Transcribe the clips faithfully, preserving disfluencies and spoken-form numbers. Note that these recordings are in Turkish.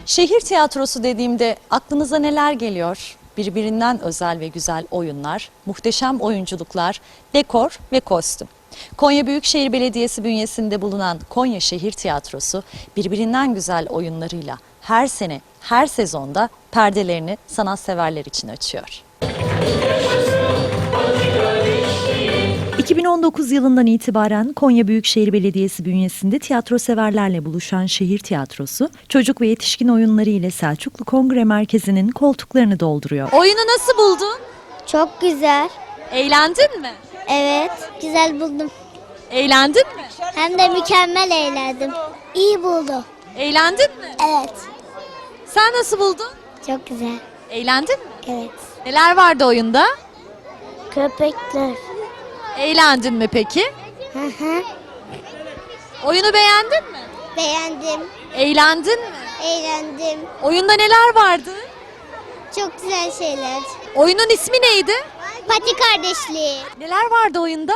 Şehir tiyatrosu dediğimde aklınıza neler geliyor? Birbirinden özel ve güzel oyunlar, muhteşem oyunculuklar, dekor ve kostüm. Konya Büyükşehir Belediyesi bünyesinde bulunan Konya Şehir Tiyatrosu birbirinden güzel oyunlarıyla her sene, her sezonda perdelerini sanatseverler için açıyor. iki bin on dokuz yılından itibaren Konya Büyükşehir Belediyesi bünyesinde tiyatro severlerle buluşan şehir tiyatrosu, çocuk ve yetişkin oyunları ile Selçuklu Kongre Merkezi'nin koltuklarını dolduruyor. Oyunu nasıl buldun? Çok güzel. Eğlendin mi? Evet, güzel buldum. Eğlendin mi? Hem de mükemmel eğlendim. İyi buldum. Eğlendin mi? Evet. Sen nasıl buldun? Çok güzel. Eğlendin mi? Evet. Neler vardı oyunda? Köpekler. Eğlendin mi peki? Hı hı. Oyunu beğendin mi? Beğendim. Eğlendin mi? Eğlendim. Oyunda neler vardı? Çok güzel şeyler. Oyunun ismi neydi? Pati kardeşliği. Neler vardı oyunda?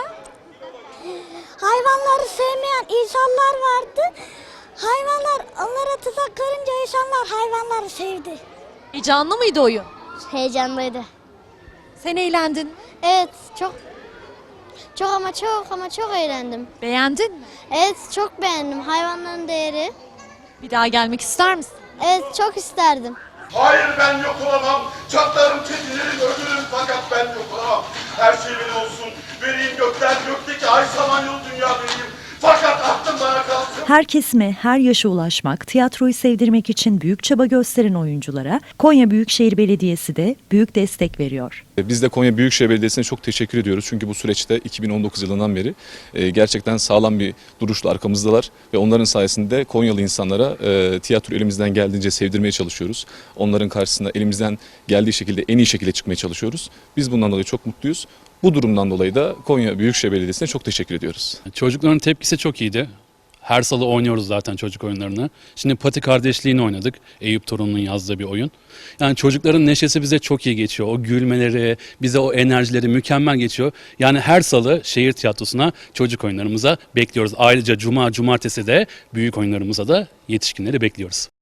Hayvanları sevmeyen insanlar vardı. Hayvanlar onlara tuzak kurunca insanlar hayvanları sevdi. Heyecanlı mıydı oyun? Heyecanlıydı. Sen eğlendin mi? Evet, çok çok ama çok ama çok eğlendim. Beğendin mi? Evet, çok beğendim. Hayvanların değeri. Bir daha gelmek ister misin? Evet, çok isterdim. Hayır, ben yok olamam. Çatlarım, çekilirim, ölürüm fakat ben yok olamam. Her şey benim olsun. Vereyim gökten, gökteki ay samanyolu dünya benim. Fakat aklım bana kalsın. Her kesime, her yaşa ulaşmak, tiyatroyu sevdirmek için büyük çaba gösteren oyunculara Konya Büyükşehir Belediyesi de büyük destek veriyor. Biz de Konya Büyükşehir Belediyesi'ne çok teşekkür ediyoruz. Çünkü bu süreçte iki bin on dokuz yılından beri gerçekten sağlam bir duruşla arkamızdalar. Ve onların sayesinde Konyalı insanlara tiyatro elimizden geldiğince sevdirmeye çalışıyoruz. Onların karşısında elimizden geldiği şekilde en iyi şekilde çıkmaya çalışıyoruz. Biz bundan dolayı çok mutluyuz. Bu durumdan dolayı da Konya Büyükşehir Belediyesi'ne çok teşekkür ediyoruz. Çocukların tepkisi çok iyiydi. Her salı oynuyoruz zaten çocuk oyunlarını. Şimdi Pati Kardeşliği'ni oynadık. Eyüp Torun'un yazdığı bir oyun. Yani çocukların neşesi bize çok iyi geçiyor. O gülmeleri, bize o enerjileri mükemmel geçiyor. Yani her salı şehir tiyatrosuna çocuk oyunlarımıza bekliyoruz. Ayrıca cuma, cumartesi de büyük oyunlarımıza da yetişkinleri bekliyoruz.